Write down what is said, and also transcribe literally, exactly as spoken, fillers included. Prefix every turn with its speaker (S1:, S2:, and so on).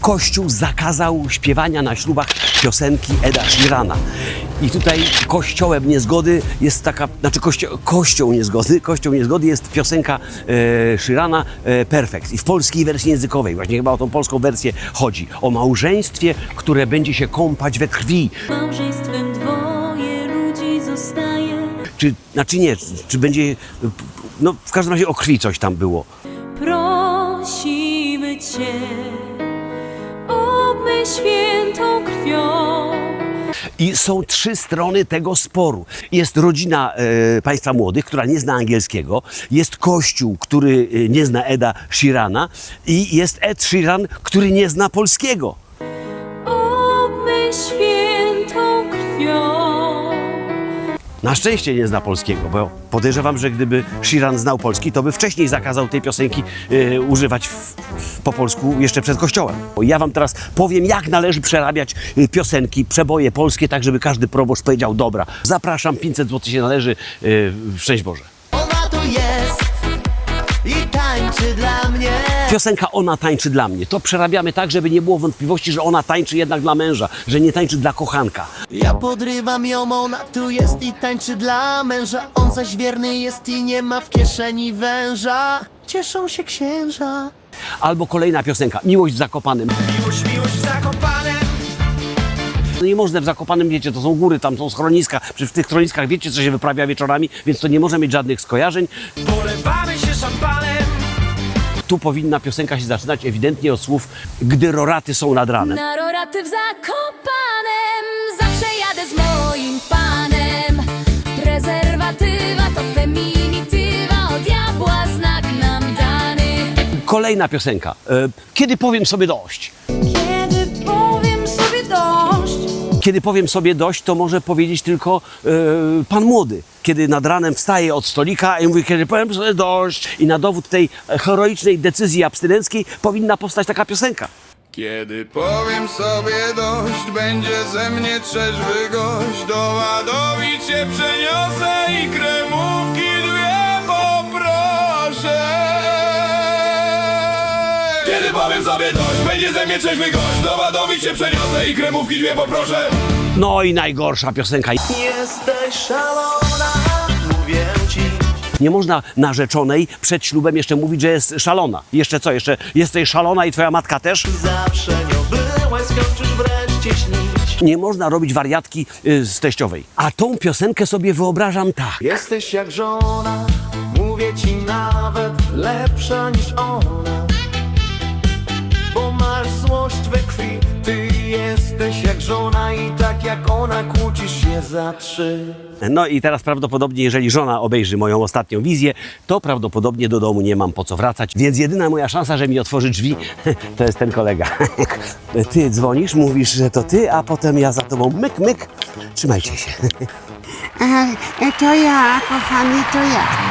S1: Kościół zakazał śpiewania na ślubach piosenki Eda Sheerana. I tutaj kościołem niezgody jest taka, znaczy kościo, kością niezgody, kością niezgody jest piosenka e, Sheerana e, Perfect. I w polskiej wersji językowej, właśnie chyba o tą polską wersję chodzi. O małżeństwie, które będzie się kąpać we krwi.
S2: Małżeństwem dwoje ludzi zostaje.
S1: Czy, znaczy nie, czy, czy będzie, no w każdym razie o krwi coś tam było.
S2: Prosimy Cię, obmyj świętą krwią.
S1: I są trzy strony tego sporu. Jest rodzina e, państwa młodych, która nie zna angielskiego, jest Kościół, który e, nie zna Eda Sheerana i jest Ed Sheeran, który nie zna polskiego.
S2: Obmyj świętą krwią.
S1: Na szczęście nie zna polskiego, bo podejrzewam, że gdyby Sheeran znał polski, to by wcześniej zakazał tej piosenki e, używać w, po polsku jeszcze przed kościołem. Ja wam teraz powiem, jak należy przerabiać e, piosenki, przeboje polskie, tak żeby każdy proboszcz powiedział dobra. Zapraszam, pięćset złotych się należy, e, szczęść Boże.
S3: Ona tu jest i tańczy dla mnie.
S1: Piosenka Ona tańczy dla mnie. To przerabiamy tak, żeby nie było wątpliwości, że ona tańczy jednak dla męża, że nie tańczy dla kochanka.
S3: Ja podrywam ją, ona tu jest i tańczy dla męża. On zaś wierny jest i nie ma w kieszeni węża. Cieszą się księża.
S1: Albo kolejna piosenka, Miłość w Zakopanem.
S3: Miłość, miłość w Zakopanem.
S1: No nie można w Zakopanem, wiecie, to są góry, tam są schroniska. Przy w tych schroniskach wiecie, co się wyprawia wieczorami, więc to nie może mieć żadnych skojarzeń.
S3: Polewamy się szampanem.
S1: Tu powinna piosenka się zaczynać ewidentnie od słów Gdy roraty są nad ranem.
S2: Na roraty w Zakopanem zawsze jadę z moim panem. Prezerwatywa to feminitywa, od diabła znak nam dany.
S1: Kolejna piosenka, e, Kiedy powiem sobie dość.
S2: Kiedy powiem sobie dość.
S1: Kiedy powiem sobie dość, to może powiedzieć tylko e, pan młody. Kiedy nad ranem wstaje od stolika i mówi, kiedy powiem sobie dość. I na dowód tej heroicznej decyzji abstynenckiej powinna powstać taka piosenka.
S4: Kiedy powiem sobie dość, będzie ze mnie trzeźwy gość. Do ładowić się przeniosę i kremówki dwie poproszę. Kiedy powiem sobie dość, będzie ze mnie trzeźwy gość. Do ładowić się przeniosę i kremówki dwie poproszę.
S1: No i najgorsza piosenka.
S3: Jesteś szalona, mówię ci.
S1: Nie można narzeczonej przed ślubem jeszcze mówić, że jest szalona. Jeszcze co? Jeszcze jesteś szalona i twoja matka też?
S3: Zawsze nią byłaś, skończysz wreszcie śnić.
S1: Nie można robić wariatki y, z teściowej. A tą piosenkę sobie wyobrażam tak.
S3: Jesteś jak żona, mówię ci nawet lepsza niż ona. Bo masz złość we krwi, ty jesteś jak żona i tak jak ona kłócisz się za trzy.
S1: No i teraz prawdopodobnie, jeżeli żona obejrzy moją ostatnią wizję, to prawdopodobnie do domu nie mam po co wracać. Więc jedyna moja szansa, że mi otworzy drzwi, to jest ten kolega. Ty dzwonisz, mówisz, że to ty, a potem ja za tobą myk, myk. Trzymajcie się.
S5: A, to ja, kochany, to ja.